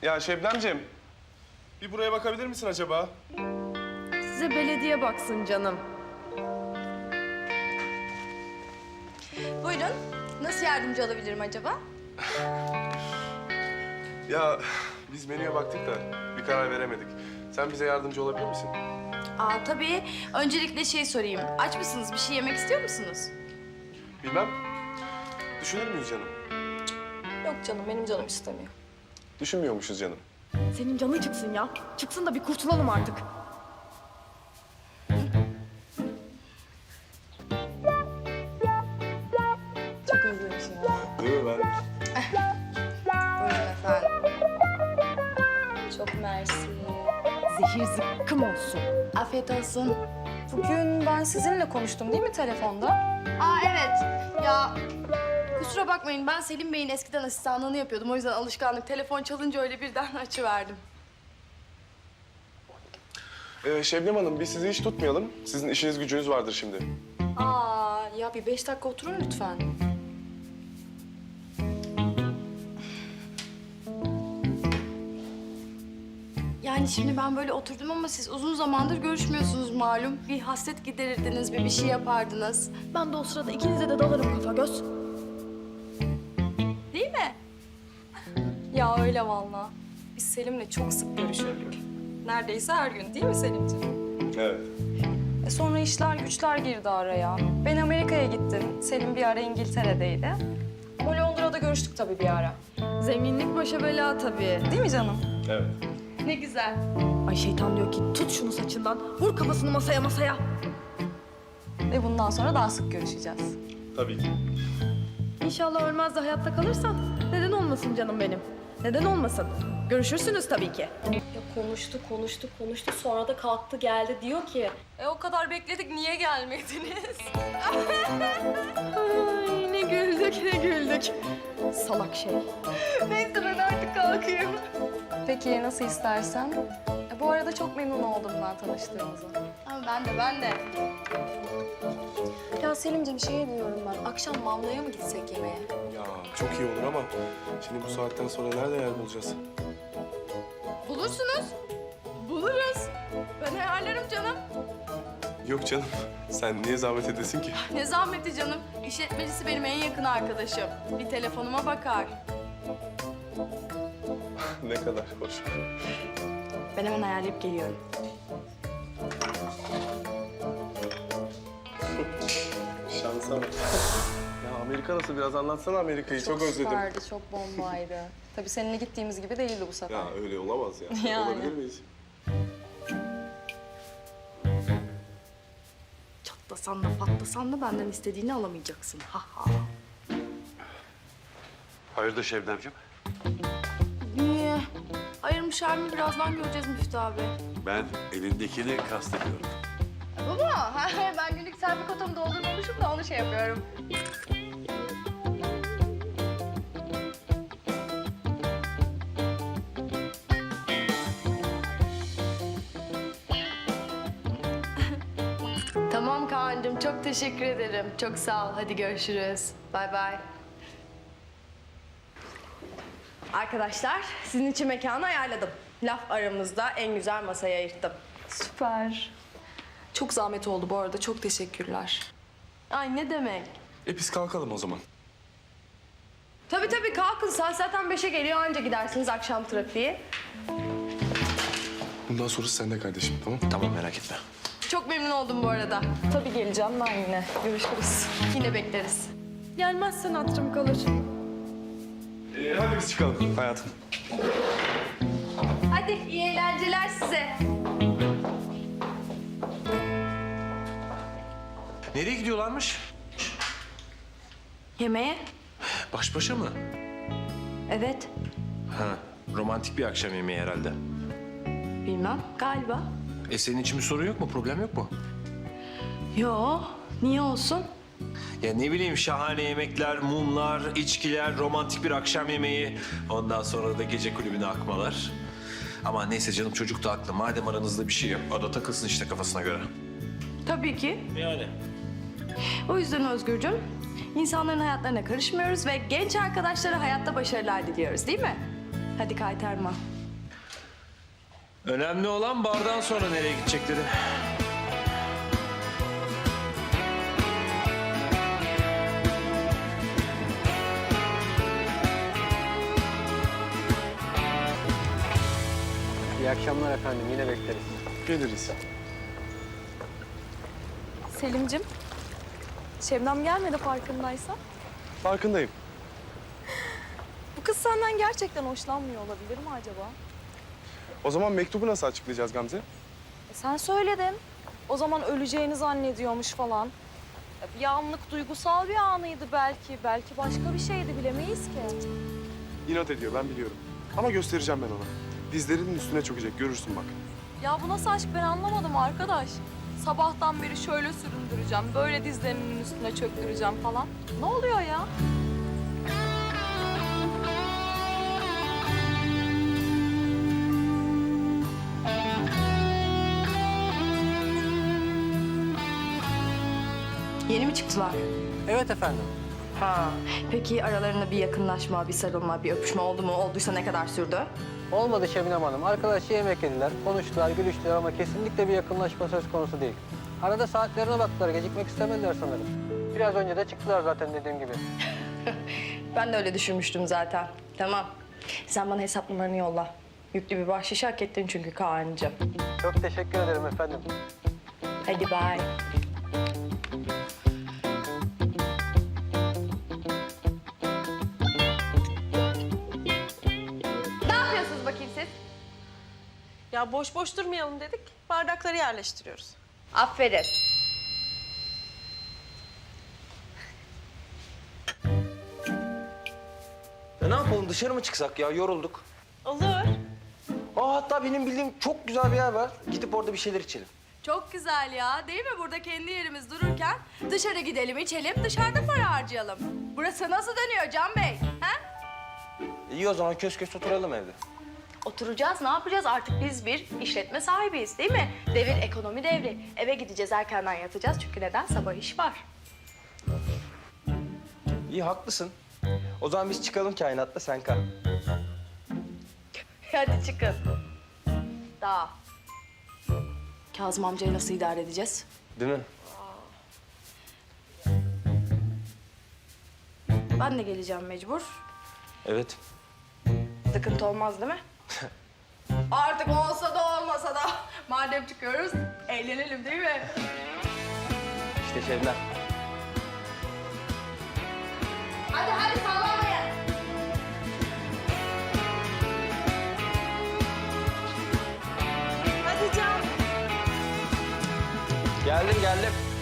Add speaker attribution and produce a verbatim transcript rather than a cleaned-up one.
Speaker 1: Ya Şebnemciğim, bir buraya bakabilir misin acaba?
Speaker 2: Size belediye baksın canım.
Speaker 3: Buyurun. Nasıl yardımcı olabilirim acaba?
Speaker 1: Ya biz menüye baktık da bir karar veremedik. Sen bize yardımcı olabilir misin?
Speaker 3: Aa tabii. Öncelikle şey sorayım. Aç mısınız? Bir şey yemek istiyor musunuz?
Speaker 1: Bilmem. Düşünür müyüz canım?
Speaker 3: Yok canım, benim canım istemiyor.
Speaker 1: Düşünmüyormuşuz canım.
Speaker 2: Senin canın çıksın ya. Çıksın da bir kurtulalım artık.
Speaker 3: Çok özlemişim ya.
Speaker 1: Değil mi ben?
Speaker 3: Buyurun efendim. Çok mersi.
Speaker 2: Zehir zıkkım olsun.
Speaker 3: Afiyet olsun. Bugün ben sizinle konuştum değil mi telefonda? Aa evet. Ya kusura bakmayın, ben Selim Bey'in eskiden asistanlığını yapıyordum. O yüzden alışkanlık. Telefon çalınca öyle birden açıverdim.
Speaker 1: Ee, Şebnem Hanım, biz sizi hiç tutmayalım. Sizin işiniz gücünüz vardır şimdi.
Speaker 3: Aa ya bir beş dakika oturun lütfen. Yani şimdi ben böyle oturdum ama siz uzun zamandır görüşmüyorsunuz malum. Bir hasret giderirdiniz, bir bir şey yapardınız.
Speaker 2: Ben de o sırada ikinize de dalarım kafa göz.
Speaker 3: Değil mi? Ya öyle vallahi. Biz Selim'le çok sık görüşürdük. Neredeyse her gün değil mi Selimciğim?
Speaker 1: Evet.
Speaker 3: E sonra işler güçler girdi araya. Ben Amerika'ya gittim. Selim bir ara İngiltere'deydi. O Londra'da görüştük tabii bir ara.
Speaker 2: Zenginlik başa bela tabii.
Speaker 3: Değil mi canım?
Speaker 1: Evet.
Speaker 3: Ne güzel.
Speaker 2: Ay şeytan diyor ki tut şunu saçından. Vur kafasını masaya masaya.
Speaker 3: Ve bundan sonra daha sık görüşeceğiz.
Speaker 1: Tabii ki.
Speaker 2: İnşallah ölmez de hayatta kalırsan. Neden olmasın canım benim? Neden olmasın? Görüşürsünüz tabii ki.
Speaker 3: Ya konuştu, konuştu, konuştu. Sonra da kalktı geldi. Diyor ki... E o kadar bekledik, niye gelmediniz?
Speaker 2: Ay ne güldük ne güldük. Salak şey.
Speaker 3: Neyse ben artık kalkayım. Peki nasıl istersen. E, bu arada çok memnun oldum ben tanıştığımıza. Ama ben de, ben de. Ya Selimciğim şey diyorum ben. Akşam Mamla'ya mı gitsek yemeğe?
Speaker 1: Ya çok iyi olur ama şimdi bu saatten sonra nerede yer bulacağız?
Speaker 3: Bulursunuz. Buluruz. Ben ayarlarım canım.
Speaker 1: Yok canım, sen niye zahmet edesin ki?
Speaker 3: Ne zahmeti canım. İşletmecisi benim en yakın arkadaşım. Bir telefonuma bakar.
Speaker 1: Ne kadar hoş.
Speaker 3: Ben hemen ayarlayıp geliyorum.
Speaker 1: Şansa bak. Ya Amerika nasıl? Biraz anlatsana Amerika'yı. Çok, özledim.
Speaker 3: Süperdi, çok bombaydı. Tabii seninle gittiğimiz gibi değildi bu sefer.
Speaker 1: Ya öyle olamaz ya.
Speaker 3: Yani.
Speaker 1: Olabilir miyiz?
Speaker 3: Çatlasan da patlasan da benden istediğini alamayacaksın. Ha ha.
Speaker 4: Hayırdır Şebnemciğim?
Speaker 3: Niye? Ayırmışlar mı? Birazdan göreceğiz Müftü abi.
Speaker 4: Ben elindekini kastediyorum.
Speaker 3: Baba, ben günlük selfie kotamı doldurmamışım da onu şey yapıyorum. Tamam Kaan'cığım, çok teşekkür ederim. Çok sağ ol. Hadi görüşürüz. Bay bay. Arkadaşlar, sizin için mekanı ayarladım. Laf aramızda en güzel masayı ayırttım.
Speaker 5: Süper. Çok zahmet oldu bu arada. Çok teşekkürler.
Speaker 3: Ay ne demek?
Speaker 1: E biz kalkalım o zaman.
Speaker 3: Tabii tabii kalkın. Saat zaten beşe geliyor. Anca gidersiniz akşam trafiği.
Speaker 1: Bundan sonrası sende kardeşim, tamam?
Speaker 4: Tamam merak etme.
Speaker 3: Çok memnun oldum bu arada.
Speaker 5: Tabii geleceğim ben yine. Görüşürüz.
Speaker 3: Yine bekleriz.
Speaker 2: Gelmezsen hatırım kalır.
Speaker 1: Ee, hadi biz çıkalım hayatım.
Speaker 3: Hadi iyi eğlenceler size.
Speaker 4: Nereye gidiyorlarmış?
Speaker 3: Yemeğe?
Speaker 4: Baş başa mı?
Speaker 3: Evet.
Speaker 4: Ha, romantik bir akşam yemeği herhalde.
Speaker 3: Bilmem. Galiba.
Speaker 4: E senin için bir sorun yok mu? Problem yok mu?
Speaker 3: Yo. Niye olsun?
Speaker 4: Ya ne bileyim şahane yemekler, mumlar, içkiler, romantik bir akşam yemeği. Ondan sonra da gece kulübüne akmalar. Ama neyse canım çocuk da haklı. Madem aranızda bir şey yok, o da takılsın işte kafasına göre.
Speaker 3: Tabii ki.
Speaker 4: Yani.
Speaker 3: O yüzden Özgürcüğüm, insanların hayatlarına karışmıyoruz ve genç arkadaşlara hayatta başarılar diliyoruz değil mi? Hadi kaytarma.
Speaker 4: Önemli olan bardan sonra nereye gidecekleri.
Speaker 6: İyi akşamlar efendim. Yine bekleriz.
Speaker 1: Geliriz.
Speaker 5: Selim'cim, Şebnem gelmedi farkındaysan.
Speaker 1: Farkındayım.
Speaker 5: Bu kız senden gerçekten hoşlanmıyor olabilir mi acaba?
Speaker 1: O zaman mektubu nasıl açıklayacağız Gamze?
Speaker 5: E sen söyledin. O zaman öleceğini zannediyormuş falan. E bir anlık duygusal bir anıydı belki. Belki başka bir şeydi, bilemeyiz ki.
Speaker 1: İnat ediyor, ben biliyorum. Ama göstereceğim ben ona. Dizlerinin üstüne çökecek, görürsün bak.
Speaker 5: Ya bu nasıl aşk ben anlamadım arkadaş. Sabahtan beri şöyle süründüreceğim, böyle dizlerinin üstüne çöktüreceğim falan. Ne oluyor ya?
Speaker 3: Yeni mi çıktılar?
Speaker 6: Evet efendim.
Speaker 3: Ha. Peki aralarında bir yakınlaşma, bir sarılma, bir öpüşme oldu mu? Olduysa ne kadar sürdü?
Speaker 6: Olmadı Şebnem Hanım. Arkadaşça yemek yediler, konuştular, gülüştüler ama kesinlikle bir yakınlaşma söz konusu değil. Arada saatlerine baktılar, gecikmek istemediler sanırım. Biraz önce de çıktılar zaten dediğim gibi.
Speaker 3: Ben de öyle düşünmüştüm zaten. Tamam. Sen bana hesap numaranı yolla. Yüklü bir bahşiş hak ettin çünkü Kaan'cığım.
Speaker 6: Çok teşekkür ederim efendim.
Speaker 3: Hadi bye. Ne yapıyorsunuz bakayım siz?
Speaker 7: Ya boş boş durmayalım dedik. Bardakları yerleştiriyoruz.
Speaker 3: Aferin.
Speaker 8: Ya ne yapalım dışarı mı çıksak ya yorulduk.
Speaker 7: Olur.
Speaker 8: Aa hatta benim bildiğim çok güzel bir yer var. Gidip orada bir şeyler içelim.
Speaker 2: Çok güzel ya, değil mi? Burada kendi yerimiz dururken dışarı gidelim, içelim, dışarıda para harcayalım. Burası nasıl dönüyor Can Bey? Ha?
Speaker 8: İyi o zaman kös kös oturalım evde.
Speaker 2: Oturacağız, ne yapacağız? Artık biz bir işletme sahibiyiz, değil mi? Devir ekonomi devri. Eve gideceğiz, erkenden yatacağız. Çünkü neden? Sabah iş var.
Speaker 8: İyi haklısın. O zaman biz çıkalım kainatla sen kal.
Speaker 2: Hadi çıkın. Daha. Kazım amcayı nasıl idare edeceğiz?
Speaker 8: Değil mi?
Speaker 2: Ben de geleceğim mecbur.
Speaker 8: Evet.
Speaker 2: Sıkıntı olmaz değil mi? Artık olsa da olmasa da madem çıkıyoruz eğlenelim değil mi?
Speaker 8: İşte Şebnem.
Speaker 2: Hadi hadi sallamayın.
Speaker 7: Hadi Can.
Speaker 8: Geldim geldim.